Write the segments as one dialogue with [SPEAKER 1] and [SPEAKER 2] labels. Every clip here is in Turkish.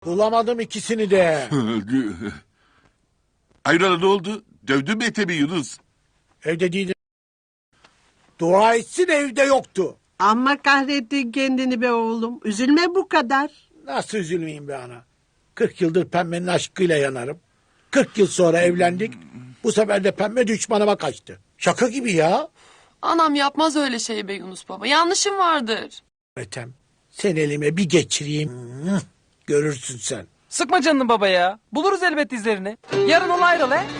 [SPEAKER 1] Bulamadım ikisini de.
[SPEAKER 2] Hayrola ne oldu? Dövdün mü Ethem'i Yunus?
[SPEAKER 1] Evde değildi. Dua etsin evde yoktu.
[SPEAKER 3] Amma kahrettin kendini be oğlum. Üzülme bu kadar.
[SPEAKER 1] Nasıl üzülmeyeyim be ana? 40 yıldır Pembe'nin aşkıyla yanarım. 40 yıl sonra evlendik. Bu sefer de Pembe düşmanıma kaçtı. Şaka gibi ya.
[SPEAKER 4] Anam yapmaz öyle şey be Yunus baba. Yanlışım vardır.
[SPEAKER 1] Ethem sen elime bir geçireyim. Görürsün sen.
[SPEAKER 5] Sıkma canını baba ya. Buluruz elbet izlerini. Yarın ol ayrıl he.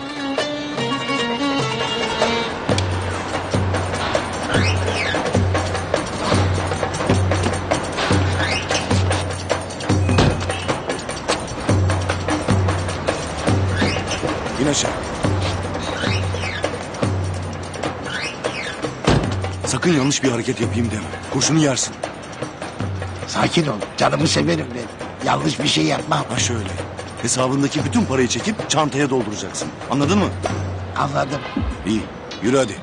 [SPEAKER 6] İn aşağı. Sakın yanlış bir hareket yapayım deme. Kurşunu yersin.
[SPEAKER 7] Sakin ol. Canımı severim ben. Yanlış bir şey yapmam.
[SPEAKER 6] Ha şöyle. Hesabındaki bütün parayı çekip çantaya dolduracaksın. Anladın mı?
[SPEAKER 7] Anladım.
[SPEAKER 6] İyi. Yürü hadi.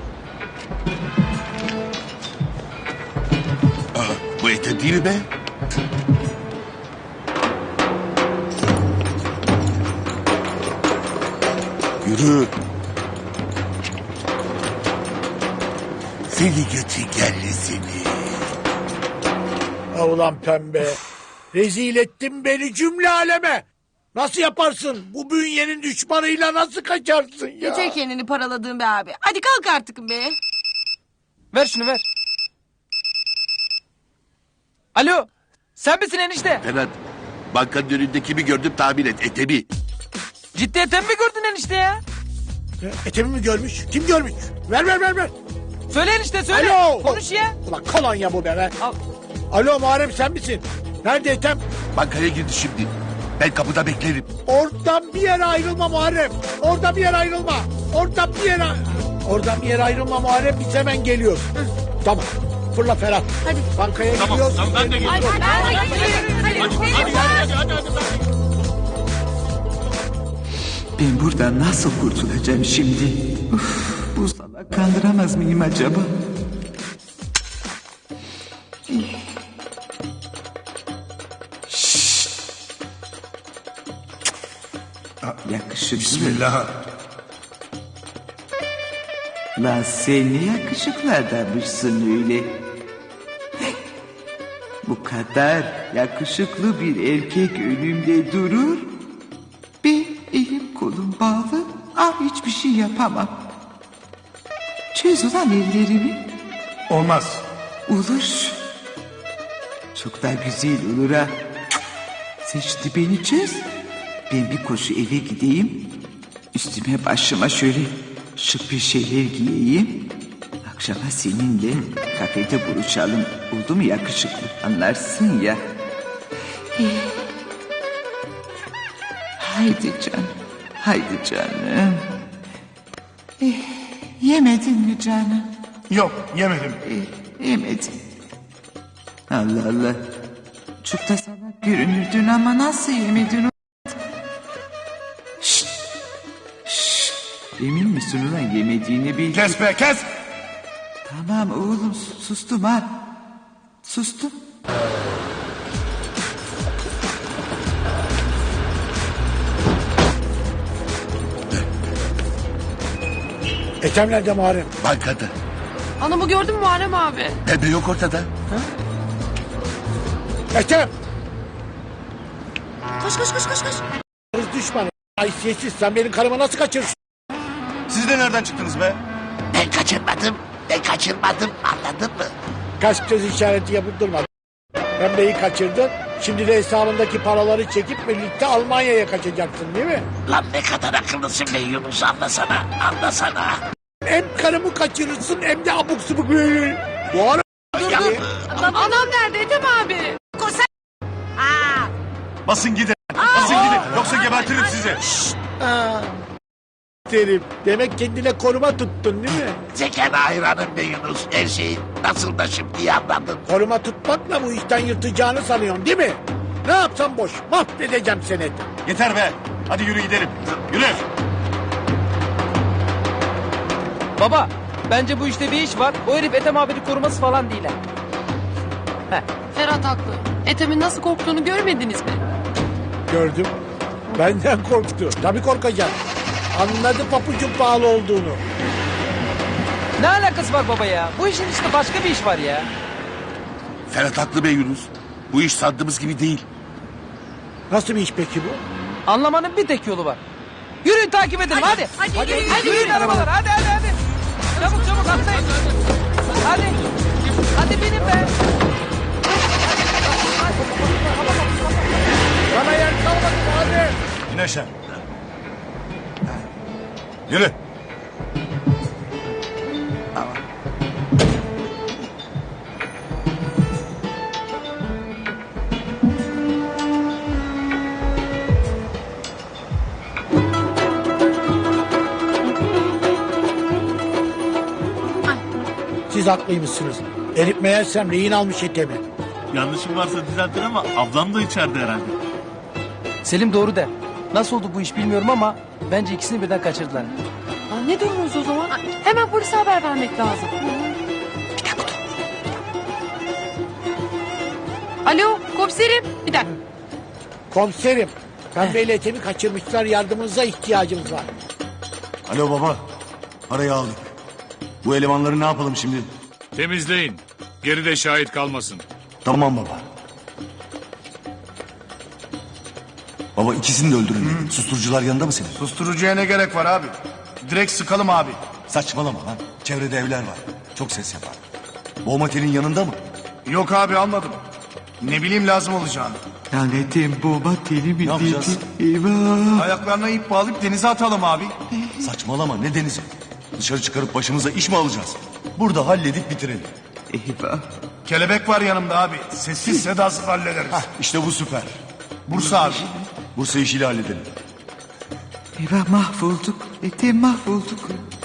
[SPEAKER 2] Bu Ethem değil mi be?
[SPEAKER 6] Yürü.
[SPEAKER 2] Seni götü geldi seni.
[SPEAKER 1] Ulan Pembe. Rezil ettin beni cümle aleme. Nasıl yaparsın? Bu bünyenin düşmanıyla nasıl kaçarsın ya?
[SPEAKER 8] Yeter kendini paraladığın be abi. Hadi kalk artık be.
[SPEAKER 5] Ver şunu ver. Alo. Sen misin enişte?
[SPEAKER 2] Ferhat, bankanın önünde kimi gördüm tahmin et. Ethem'i.
[SPEAKER 5] Ciddiyeten mi gördün enişte ya?
[SPEAKER 1] Ethem'i mi görmüş? Kim görmüş? Ver.
[SPEAKER 5] Söyle enişte söyle.
[SPEAKER 1] Alo.
[SPEAKER 5] Konuş ya.
[SPEAKER 1] Ulan kolonya bu be.
[SPEAKER 5] Al.
[SPEAKER 1] Alo Muharrem sen misin? Nerede Ethem?
[SPEAKER 2] Bankaya girdi şimdi. Ben kapıda beklerim.
[SPEAKER 1] Oradan bir yere ayrılma Muharrem. Oradan bir yere ayrılma. Oradan bir yere ayrılma Muharrem. Biz hemen geliyoruz. Tamam. Fırla Ferhat.
[SPEAKER 8] Hadi.
[SPEAKER 1] Bankaya gidiyoruz. Tamam ben de geliyorum.
[SPEAKER 9] Ben buradan nasıl kurtulacağım şimdi? Uf, bu salak kandıramaz mıyım acaba? Şşş. Yakışıklı.
[SPEAKER 6] Bismillah.
[SPEAKER 9] Lan sen ne yakışıklı adammışsın öyle. Bu kadar yakışıklı bir erkek önümde durur. Ben elim kolum bağlı. Hiçbir şey yapamam. Çöz ulan ellerimi.
[SPEAKER 6] Olmaz.
[SPEAKER 9] Olur. Çok da güzel olur ha. Sen şimdi beni çöz. Ben bir koşu eve gideyim. Üstüme başıma şöyle şık bir şeyler giyeyim. Akşama seninle kafede buluşalım. Oldu mu yakışıklı? Anlarsın ya. Haydi canım. Haydi canım. Yemedin mi canım?
[SPEAKER 6] Yok yemedim.
[SPEAKER 9] Yemedin. Allah Allah. Çok da salak görünürdün ama nasıl yemedin o? Şşt. Şşt. Emin misin ulan yemediğini bil.
[SPEAKER 6] Kes be kes.
[SPEAKER 9] Tamam oğlum sustum ha. Sustum.
[SPEAKER 1] Ethem nerede Muharrem?
[SPEAKER 2] Bankada.
[SPEAKER 4] Anamı gördün mü Muharrem abi?
[SPEAKER 2] Pembe yok ortada.
[SPEAKER 1] Ethem!
[SPEAKER 8] Koş.
[SPEAKER 1] Kız düşmanı. Haysiyetsiz sen benim karımı nasıl kaçırırsın?
[SPEAKER 6] Siz de nereden çıktınız be?
[SPEAKER 7] Ben kaçırmadım. Anladın mı?
[SPEAKER 1] Kaç göz işareti yapıp durma. Pembeyi kaçırdın. Şimdi de hesabındaki paraları çekip birlikte Almanya'ya kaçacaksın değil mi?
[SPEAKER 7] Lan ne kadar akıllısın be Yunus, anlasana.
[SPEAKER 1] Hem karımı kaçırırsın hem de abuk subuk böyle. Muharrem.
[SPEAKER 4] Anam nerede Ethem abi?
[SPEAKER 6] Basın gidin. Basın gidin. Yoksa gebertirim sizi.
[SPEAKER 1] Derim. Demek kendine koruma tuttun değil mi?
[SPEAKER 7] Zekana hayranım be Yunus. Her şeyin nasıl da şimdi anladım.
[SPEAKER 1] Koruma tutmakla bu işten yırtacağını sanıyorsun değil mi? Ne yapsam boş. Mahvedeceğim seni.
[SPEAKER 6] Yeter be. Hadi yürü gidelim. Yürü.
[SPEAKER 5] Baba bence bu işte bir iş var. O herif Ethem abini koruması falan değil ha.
[SPEAKER 4] Ferhat haklı. Ethem'in nasıl korktuğunu görmediniz mi?
[SPEAKER 1] gördüm. Benden korktu. Tabii korkacak. Anladı papucun pahalı olduğunu.
[SPEAKER 5] Ne alakası var baba ya? Bu işin içinde başka bir iş var ya.
[SPEAKER 2] Ferhat haklı be Yunus. Bu iş sandığımız gibi değil.
[SPEAKER 1] Nasıl bir iş peki bu?
[SPEAKER 5] Anlamanın bir tek yolu var. Yürüyün takip edelim hadi.
[SPEAKER 8] Hadi
[SPEAKER 5] Yürüyün arabalar hadi. Çabuk atlayın. Hadi. Hadi binin be.
[SPEAKER 1] Bana yer kalmadı hadi.
[SPEAKER 6] İn aşağı. Yürü.
[SPEAKER 1] Siz haklıymışsınız. Elif meğersem rehin almış Ethem'i.
[SPEAKER 10] Yanlışım varsa düzeltin ama ablam da içeride herhalde.
[SPEAKER 5] Selim doğru der. Nasıl oldu bu iş bilmiyorum ama bence ikisini birden kaçırdılar.
[SPEAKER 4] Aa, ne diyorsunuz o zaman? Hemen polise haber vermek lazım. Bir dakika dur. Alo komiserim. Bir dakika.
[SPEAKER 1] Komiserim. Pembe ile Ethem'i kaçırmışlar. Yardımınıza ihtiyacımız var.
[SPEAKER 6] Alo baba. Parayı aldık. Bu elemanları ne yapalım şimdi?
[SPEAKER 10] Temizleyin. Geride şahit kalmasın.
[SPEAKER 6] Tamam baba. Baba ikisini de öldürün dedi. Susturucular yanında mı senin?
[SPEAKER 11] Susturucuya ne gerek var abi? Direkt sıkalım abi.
[SPEAKER 6] Saçmalama lan. Çevrede evler var. Çok ses yapar. Boğma telin yanında mı?
[SPEAKER 11] Yok abi almadım. Ne bileyim lazım olacağını.
[SPEAKER 9] Lanetim baba telimi
[SPEAKER 6] Ne yapacağız?
[SPEAKER 9] Eyvah.
[SPEAKER 11] Ayaklarına ip bağlayıp denize atalım abi.
[SPEAKER 6] Saçmalama ne denizi? Dışarı çıkarıp başımıza iş mi alacağız? Burada halledip bitirelim.
[SPEAKER 9] Eyvah.
[SPEAKER 11] Kelebek var yanımda abi. Sessiz sedasız hallederiz.
[SPEAKER 6] İşte bu süper.
[SPEAKER 11] Bursa abi.
[SPEAKER 6] Bursa işiyle halledelim.
[SPEAKER 9] Eyvah mahvolduk. Etem mahvolduk.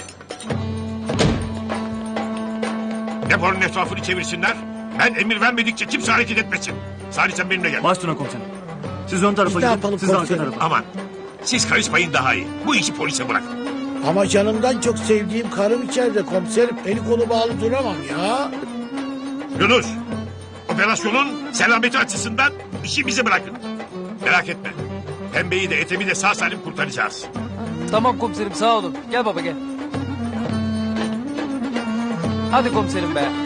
[SPEAKER 10] Deponun etrafını çevirsinler. Ben emir vermedikçe kimse hareket etmesin. Salih sen benimle gel.
[SPEAKER 5] Başüstüne komiserim. Siz ön tarafa
[SPEAKER 1] Biz ne yapalım komiserim?
[SPEAKER 10] Aman. Siz karışmayın daha iyi. Bu işi polise bırakın.
[SPEAKER 1] Ama canımdan çok sevdiğim karım içeride komiserim. Eli kolu bağlı duramam ya.
[SPEAKER 10] Yunus. Operasyonun selameti açısından işi bize bırakın. Merak etme. Pembeyi de Ethem'i de sağ salim kurtaracağız.
[SPEAKER 5] Tamam komiserim sağ olun. Gel baba gel. Hadi komiserim be.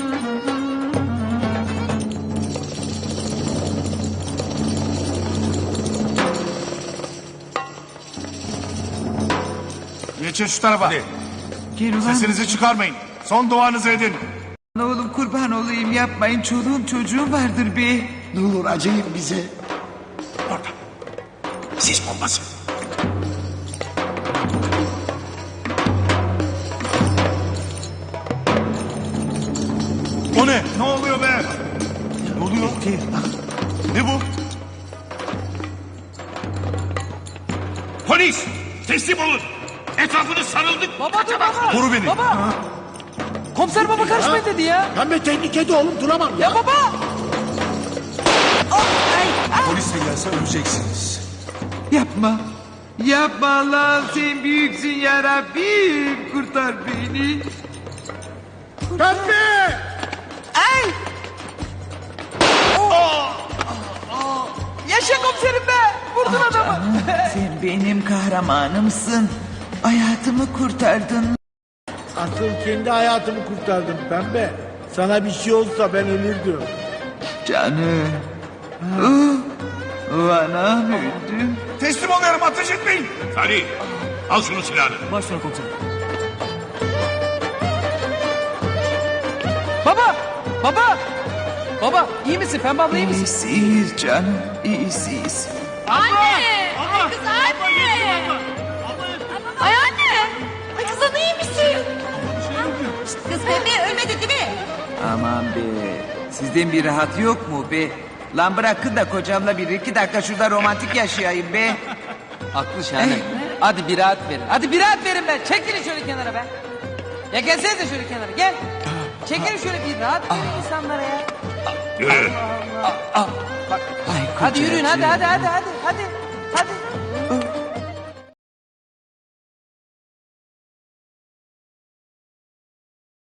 [SPEAKER 11] Geçin şu tarafa.
[SPEAKER 9] Gel ulan.
[SPEAKER 11] Sesinizi çıkarmayın. Son duanızı edin.
[SPEAKER 9] Oğlum kurban olayım yapmayın. Çoluğum çocuğum vardır be.
[SPEAKER 7] Ne olur acıyın bize.
[SPEAKER 10] Orada. Sis bombası.
[SPEAKER 6] O ne?
[SPEAKER 11] Ne oluyor be?
[SPEAKER 6] Ne oluyor? Ne bu?
[SPEAKER 10] Polis! Teslim olun! Etrafını sarıldık.
[SPEAKER 5] Baba dur baba.
[SPEAKER 6] Koru beni.
[SPEAKER 5] Baba. Komiser baba karışmayın dedi ya.
[SPEAKER 1] Pembe tehlikede oğlum duramam ya.
[SPEAKER 5] Ya baba.
[SPEAKER 6] Polis de gelse öleceksiniz.
[SPEAKER 9] Yapma. Yapma Allah'ım sen büyüksün ya Rabbim. Kurtar beni.
[SPEAKER 1] Pembe!
[SPEAKER 9] Ay.
[SPEAKER 5] Yaşa komiserim be. Vurdun adamı.
[SPEAKER 9] Sen benim kahramanımsın. Hayatımı kurtardın.
[SPEAKER 1] Asıl kendi hayatımı kurtardım Pembe. Sana bir şey olsa ben ölürdüm.
[SPEAKER 9] Canım. Anam öldüm.
[SPEAKER 11] Teslim oluyorum ateş etmeyin.
[SPEAKER 10] Salih, al şunu silahını.
[SPEAKER 5] Başüstüne komiserim. Baba. Baba. Baba iyi misin? Pembe abla iyi misin?
[SPEAKER 9] İyiyiz canım. İyiyiz.
[SPEAKER 4] Anne! Ay kız anne! Ay anne! Ay kız ana iyi misin?
[SPEAKER 8] Kız Pembe ölmedi değil mi?
[SPEAKER 9] Aman be. Sizden bir rahat yok mu be? Lan bırakın da kocamla bir iki dakika şurada romantik yaşayayım be.
[SPEAKER 5] Haklı Şahane. Hadi bir rahat verin. Hadi bir rahat verin be. Çekilin şöyle kenara be. Ya gelsenize şöyle kenara gel. Çekilin şöyle bir rahat verin insanlara ya.
[SPEAKER 10] Yürü.
[SPEAKER 5] Bak.
[SPEAKER 9] Ay
[SPEAKER 5] Hadi yürüyün
[SPEAKER 9] kocacığım.
[SPEAKER 5] hadi.